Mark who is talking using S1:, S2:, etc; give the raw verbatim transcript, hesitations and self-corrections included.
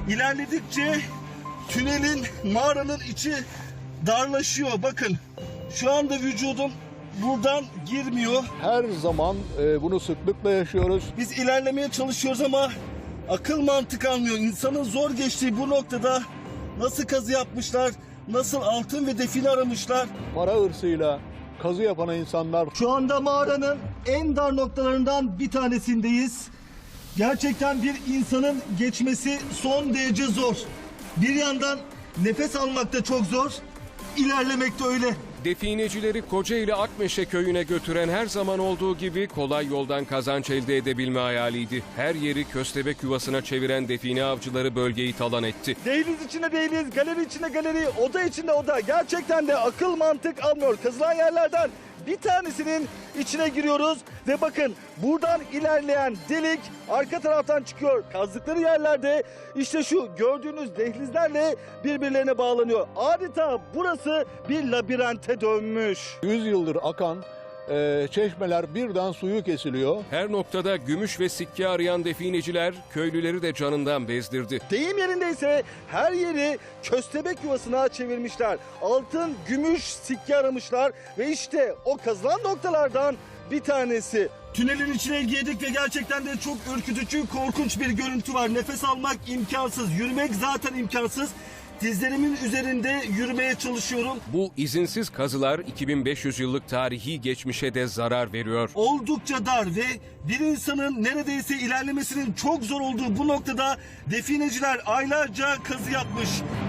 S1: İlerledikçe tünelin, mağaranın içi darlaşıyor. Bakın şu anda vücudum buradan girmiyor.
S2: Her zaman e, bunu sıklıkla yaşıyoruz.
S1: Biz ilerlemeye çalışıyoruz ama akıl mantık almıyor. İnsanın zor geçtiği bu noktada nasıl kazı yapmışlar, nasıl altın ve define aramışlar.
S2: Para hırsıyla kazı yapan insanlar.
S1: Şu anda mağaranın en dar noktalarından bir tanesindeyiz. Gerçekten bir insanın geçmesi son derece zor. Bir yandan nefes almak da çok zor, ilerlemek de öyle.
S3: Definecileri Kocaeli Akmeşe köyüne götüren her zaman olduğu gibi kolay yoldan kazanç elde edebilme hayaliydi. Her yeri köstebek yuvasına çeviren define avcıları bölgeyi talan etti.
S1: Dehliz içinde dehliz, galeri içinde galeri, oda içinde oda. Gerçekten de akıl mantık almıyor. Kazılan yerlerden bir tanesinin içine giriyoruz ve bakın buradan ilerleyen delik arka taraftan çıkıyor. Kazdıkları yerlerde işte şu gördüğünüz dehlizlerle birbirlerine bağlanıyor. Adeta burası bir labirente dönmüş.
S2: yüz yıldır akan e, çeşmeler birden suyu kesiliyor.
S3: Her noktada gümüş ve sikke arayan defineciler köylüleri de canından bezdirdi.
S1: Deyim yerindeyse her yeri köstebek yuvasına çevirmişler. Altın, gümüş, sikke aramışlar ve işte o kazılan noktalardan bir tanesi. Tünelin içine girdik ve gerçekten de çok ürkütücü, korkunç bir görüntü var. Nefes almak imkansız, yürümek zaten imkansız. Dizlerimin üzerinde yürümeye çalışıyorum.
S3: Bu izinsiz kazılar iki bin beş yüz yıllık tarihi geçmişe de zarar veriyor.
S1: Oldukça dar ve bir insanın neredeyse ilerlemesinin çok zor olduğu bu noktada defineciler aylarca kazı yapmış.